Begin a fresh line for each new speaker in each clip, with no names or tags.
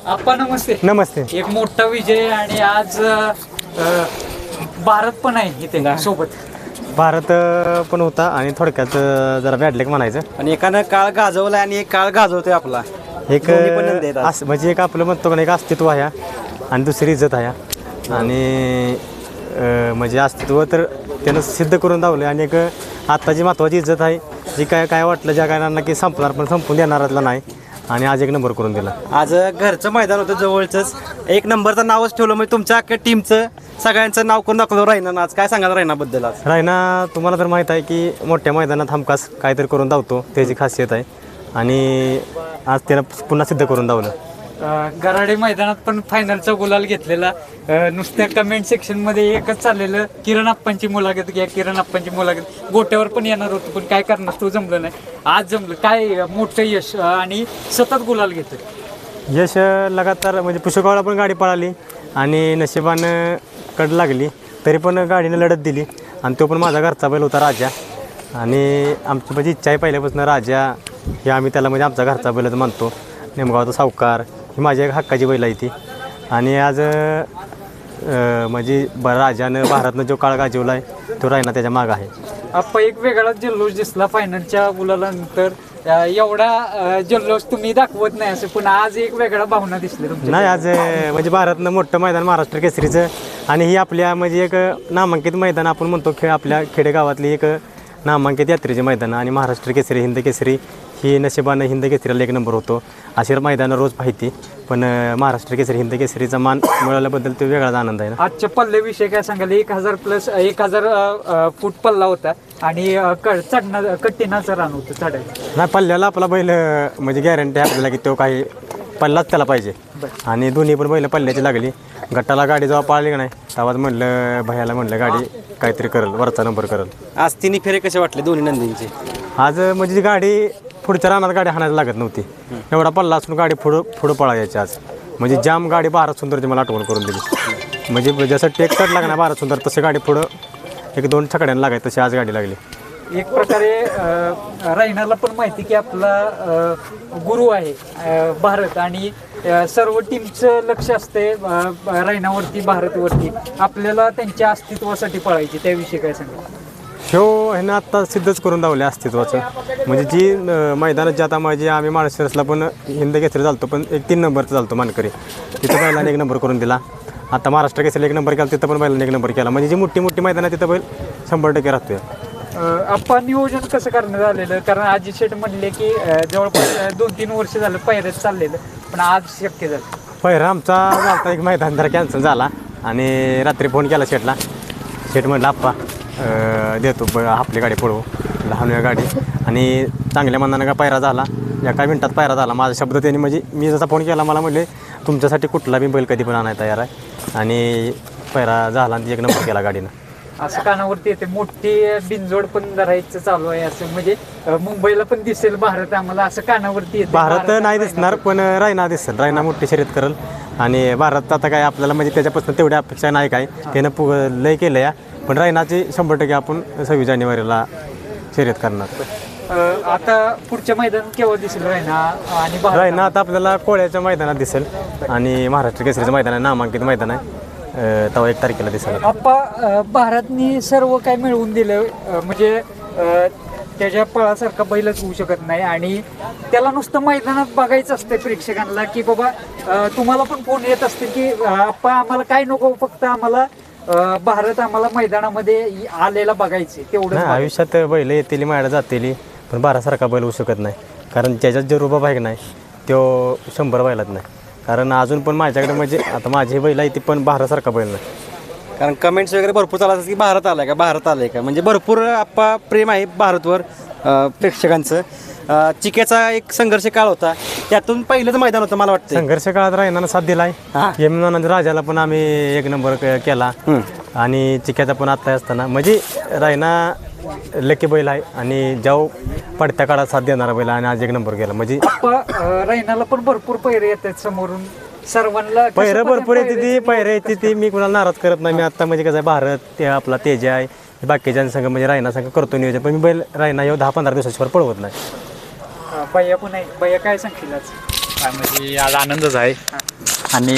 आप्पा नमस्ते.
नमस्ते.
एक मोठा विजय आणि आज भारत पण आहे इथे सोबत.
भारत पण होता आणि थोडक्यात जरा बॅडलेक म्हणायचं.
आणि एकानं काळ गाजवला आणि एक काळ गाजवतोय आपला.
एक
दोन्ही पण नंदी आहेत आज.
म्हणजे एक आपलं म्हणतो का एक अस्तित्व आहे आणि दुसरी इज्जत आहे. आणि म्हणजे अस्तित्व तर त्यानं सिद्ध करून दावलं आणि एक आत्ताची महत्त्वाची इज्जत आहे जी काय वाटलं ज्या कारणांना की संपणार पण संपून देणारातला नाही आणि आज एक नंबर करून दिला.
आज घरचं मैदान होतं जवळचंच. एक नंबरचं नावच ठेवलं म्हणजे तुमच्या अख्ख्या टीमचं सगळ्यांचं नाव करून दाखवलं रायना. आज काय सांगाल रायनाबद्दल? आज
रायना तुम्हाला तर माहीत आहे की मोठ्या मैदानात हमखास काहीतरी करून धावतो त्याची खासियत आहे आणि आज त्यानं पुन्हा सिद्ध करून धावलं.
गराडे मैदानात पण फायनलचा गुलाल घेतलेला. नुसत्या कमेंट सेक्शन मध्ये एकच चाललेलं, किरण अप्पांची मुलाखत घ्या, किरण अप्पांची मुलाखत. गोट्यावर पण येणार होतं पण काय करणार, तो जमलं नाही. आज जमलं. काय मोठं यश आणि सतत गुलाल घेतोय.
यश लगातार म्हणजे पुष्कळला पण गाडी पळाली आणि नशिबानं कड लागली तरी पण गाडीनं लढत दिली आणि तो पण माझा घरचा बैल होता राजा. आणि आमची म्हणजे इच्छा आहे पहिल्यापासून राजा हे आम्ही त्याला म्हणजे आमचा घरचा बैलच मानतो. नेमगावचा सावकार ही माझी एक हक्काची बैल आहे ती. आणि आज म्हणजे राजानं भारतनं जो काळ गाजवला आहे तो रायना त्याच्या मागं आहे.
आप्पा एक वेगळाच जल्लोष दिसला फायनलच्या गुलालानंतर. एवढा जल्लोष तुम्ही दाखवत नाही असं, पण आज एक वेगळा भावना दिसली तुमच्या.
नाही आज म्हणजे भारतनं मोठं मैदान महाराष्ट्र केसरीचं आणि ही आपल्या म्हणजे एक नामांकित मैदान आपण म्हणतो आपल्या खेडेगावातली एक नामांकित यात्रेचे मैदान आणि महाराष्ट्र केसरी हिंद केसरी ही नशिबानं हिंद केसरीला एक नंबर होतो. अशी मैदानं रोज पाहिती पण महाराष्ट्र केसरी हिंद केसरीचा मान मिळवल्याबद्दल तो वेगळाच आनंद आहे ना.
आजच्या पल्ल्याविषयी काय सांगाल? 1000 फूट पल्ला होता आणि कट्टीनाचं रान होतं चढायचं.
नाही पल्ल्याला आपला बैल म्हणजे गॅरंटी आहे आपल्याला की तो काही पल्लाच त्याला पाहिजे आणि दोन्ही पण बैल पल्ल्याची लागली. गटाला गाडी जेव्हा पाळली का नाही तेव्हाच म्हणलं भैयाला म्हणलं गाडी काहीतरी करल, वरचा नंबर करल.
आज तिन्ही फेरे कसे वाटले दोन्ही नंदींचे?
आज म्हणजे जी गाडी पुढच्या रानात गाडी हाणायला लागत नव्हती. एवढा पल्ला असून गाडी पुढं पळायची आज. म्हणजे जाम गाडी भारत सुंदरची मला आठवण करून दिली. म्हणजे जसं टेक चढ लागणार भारत सुंदर तसं गाडी पुढं 1-2 छकड्यांना लागायची तशी आज गाडी लागली.
एक प्रकारे रायनाला पण माहिती की आपला गुरु आहे भारत आणि सर्व टीमचं लक्ष असते रायनावरती, भारतवरती. आपल्याला त्यांच्या अस्तित्वासाठी पळायची, त्याविषयी काय सांगा?
ह्यानं आत्ता सिद्धच करून दावले अस्तित्वाचं. म्हणजे जी मैदानात जे आता माझी आम्ही माळशिरसला पण हिंद केसरी चालतो पण 3 नंबरचं चालतो मानकरी, तिथं बैलाने 1 नंबर करून दिला. आता महाराष्ट्र केसरीला 1 नंबर केला, तिथं पण बैलाने 1 नंबर केला. म्हणजे जी मोठी मैदानात तिथं बैल 100% राहतोय.
आपण नियोजन कसं करण्यात आलेलं? कारण अजित शेठ म्हणले की जवळपास 2-3 वर्ष झालं पहिल्याच चाललेलं पण आज शक्य झालं.
पहिला आमचा झालता एक मैदान जरा कॅन्सल झाला आणि रात्री फोन केला शेठला. शेठ म्हटलं आप्पा देतो आपली गाडी पळवू, लहान गाडी. आणि चांगल्या मनानं का पायरा झाला, एका मिनिटात पायरा झाला. माझा शब्द त्यांनी म्हणजे मी जसा फोन केला मला म्हणले तुमच्यासाठी कुठला बी बैल कधी पण आणायला तयार आहे. आणि पायरा झाला आणि 1 नंबर केला गाडीनं.
असं कानावरती येते मोठी बिनजोड पण धरायचं चालू आहे असं, म्हणजे मुंबईला पण दिसेल भारत आम्हाला, असं कानावरती येते.
भारत नाही दिसणार पण रायना दिसेल. रायना मोठी शर्यत करेल आणि भारत आता काय आपल्याला म्हणजे त्याच्यापासून तेवढी अपेक्षा नाही काय, त्यानं लय केलं या. पण रायनाची 100% आपण 26 जानेवारीला शर्यत करणार.
आता पुढच्या मैदान केव्हा दिसेल रायना? आणि
रायना आता आपल्याला कोळ्याच्या मैदानात दिसेल आणि महाराष्ट्र केसरीचं मैदान आहे, नामांकित मैदान आहे, तेव्हा 1 तारखेला दिसेल.
आप्पा भारतनी सर्व काय मिळवून दिलं, म्हणजे त्याच्या पळासारखा बैलच होऊ शकत नाही आणि त्याला नुसतं मैदानात बघायचं असतं प्रेक्षकांना की बाबा तुम्हाला पण फोन येत असतील की आप्पा आम्हाला काय नको, फक्त आम्हाला भारत आम्हाला मैदानामध्ये आलेला बघायचे तेवढं.
आयुष्यात बैल येतील मायला जातील पण बारासारखा बैल होऊ शकत नाही. कारण त्याच्यात जे रुबाब आहे नाही तो 100 बैलात नाही. कारण अजून पण माझ्याकडे म्हणजे आता माझी बैल आहे ती पण बारासारखा बैल नाही.
कारण कमेंट्स वगैरे भरपूर चालत की भारत आलाय का, भारत आलाय का, म्हणजे भरपूर आप्पा प्रेम आहे भारतवर प्रेक्षकांचं. चिक्याचा एक संघर्ष काळ होता, त्यातून पहिलंच मैदान होतं मला वाटतं.
संघर्ष काळात रायनानं साथ दिलाय. यमुनानंद राजाला पण आम्ही 1 नंबर केला आणि चिक्याचा पण आता असताना म्हणजे रायना लकी बैल आहे आणि जाऊ पडत्या काळात साथ देणारा बैल आणि आज 1 नंबर केला. म्हणजे
रायनाला पण भरपूर पैरे येतात समोरून सर्वांना.
पैरं भरपूर येते ती मी कुणाला नाराज करत नाही. मी आता म्हणजे कसं आहे भारत ते आपला तेज आहे बाकीच्या म्हणजे रायना संघ करतो नियोजन, पण मी बैल रायना 10-15 दिवसाच्यावर पळवत नाही.
भैया पण आहे. भैया काय सांगतील आज?
म्हणजे आज आनंदच आहे. आणि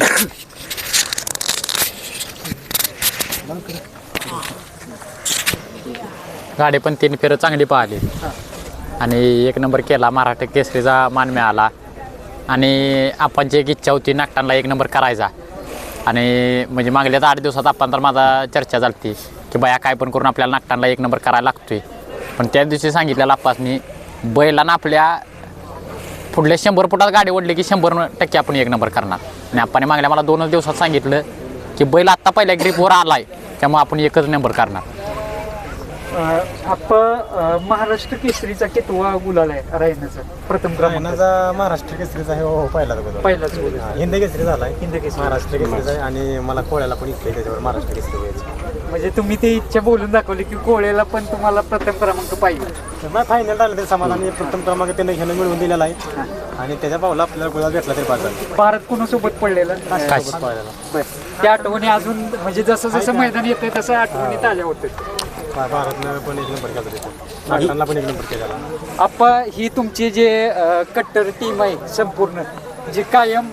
गाडी पण 3 फेरं चांगली पाहिली आणि 1 नंबर केला. महाराष्ट्र केसरीचा मान मिळाला आणि आपणची एक इच्छा होती नागटांना 1 नंबर करायचा. आणि म्हणजे मागल्या 8 दिवसात आपण तर माझा चर्चा झाली की बाया काय पण करून आपल्याला नागटांना 1 नंबर करायला लागतोय. पण त्या दिवशी सांगितलेलं आप्पासनी बैलांना आपल्या पुढल्या 100 फुटात गाडी ओढली की 100% आपण 1 नंबर करणार. आणि आपण मागल्या मला 2 दिवसात सांगितलं की बैल आत्ता पहिल्या ग्रीपवर आला आहे त्यामुळे आपण 1च नंबर करणार.
महाराष्ट्र केसरीचा कितवा गुलाल आहे रायनाचा? प्रथम क्रमांक
महाराष्ट्र केसरीचा आहे
पहिलाच गुलाल.
हिंद केसरी झाला आहे.
हिंद केसरी.
महाराष्ट्र केसरीचा आहे आणि मला कोळ्याला पण इथले त्याच्यावर महाराष्ट्र केसरी व्हायचं.
म्हणजे तुम्ही ती इच्छा बोलून दाखवली की कोळेला पण तुम्हाला प्रथम क्रमांक पाहिजे.
तर फायनल आलं ते समाधानी प्रथम क्रमांक त्याने घेणं मिळवून दिलेला आहे आणि त्याच्या पावला आपल्याला गुलाल भेटला तरी पाहिजे.
भारत कोणासोबत पडलेला? बरं. त्या आठवणी अजून म्हणजे जसं जसं मैदान येतंय तसं आठवणी ताज्या होतात.
भारतनं पण 1 नंबर केला तिथं, नागटांना पण 1 नंबर केलेला.
आप्पा, ही तुमची जे कट्टर टीम आहे संपूर्ण, जी कायम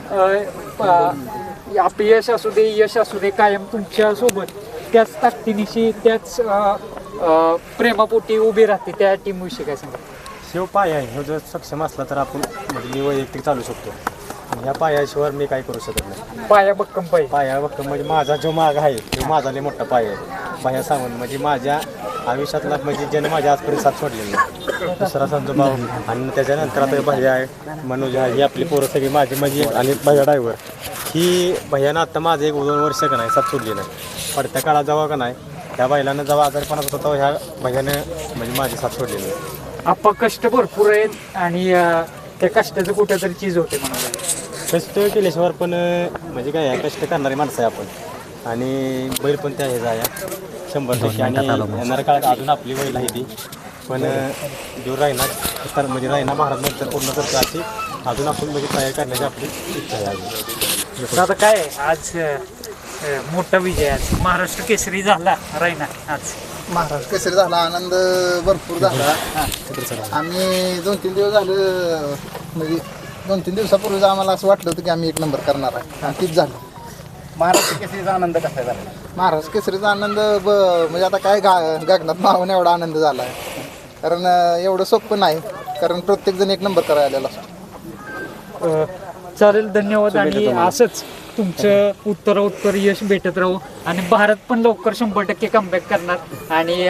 अपयश असू दे यश असू दे कायम तुमच्या सोबत त्याच ताकदीनिशी त्याच प्रेमापोटी उभी राहते, त्या टीम विषयी काय सांगा?
शिव पाय आहे, हे जर सक्षम असला तर आपण म्हणजे मी वैयक्तिक चालू शकतो. आणि ह्या पायाशिवाय मी काय करू शकत नाही.
पाया भक्कम पाहिजे.
पाया बघतो म्हणजे माझा जो माग आहे तो माझा लय मोठा पाय आहे. पाया सांगून म्हणजे माझ्या आयुष्यातला म्हणजे ज्याने माझ्या आजपर्यंत साथ सोडलेली नाही. दुसरा संजू भाऊ आणि त्याच्यानंतर आता भैया आहे, मनोज आहे, ही आपली पोरं सगळी माझी म्हणजे आणि भैया ड्रायव्हर ही भैयानं आत्ता माझं 1-2 वर्ष का नाही साथ सोडली नाही. पडत्या काळात जेव्हा का नाही त्या बैलानं जेव्हा आजारपणात होता ह्या भैयानं म्हणजे माझी साथ सोडलेली नाही.
आप्पा, कष्ट भरपूर आहेत आणि त्या कष्टाचं कुठेतरी चीज होते म्हणाला.
कष्ट केल्याशिवाय पण म्हणजे काय आहे, कष्ट करणारी माणसं आहे आपण आणि बैल पण त्या ह्याचा आहे 100%. आणि येणाऱ्या काळात अजून आपली बैल आहे ती पण जो रायना म्हणजे रायना महाराज नंतर पूर्ण करतो अशी अजून आपण म्हणजे तयार करण्याची आपली इच्छा आहे अजून.
आता काय आहे, आज मोठा विजय, आज महाराष्ट्र केसरी झाला रायना. आज
महाराष्ट्र केसरी झाला, आनंद भरपूर झाला. आम्ही 2-3 दिवस झालं म्हणजे 2-3 दिवसापूर्वीच आम्हाला असं वाटलं होतं की आम्ही 1 नंबर करणार आहे आणि तीच झालं.
महाराष्ट्र केसरीचा आनंद कसा झाला?
महाराष्ट्र केसरीचा आनंद म्हणजे आता काय गगनात मावून एवढा आनंद झाला आहे. कारण एवढं सोपं नाही, कारण प्रत्येकजण 1 नंबर करायला आलेला असतो.
चालेल, धन्यवाद. आणि असंच तुमचं उत्तरोत्तर यश भेटत राहू आणि भारत पण लवकर 100% कमबॅक करणार आणि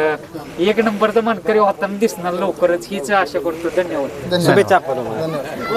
1 नंबरचा मानकरी होताना दिसणार लवकरच, हीच आशा करतो. धन्यवाद.
धन्यवाद.
शुभेच्छा आपल्याला.
धन्यवाद.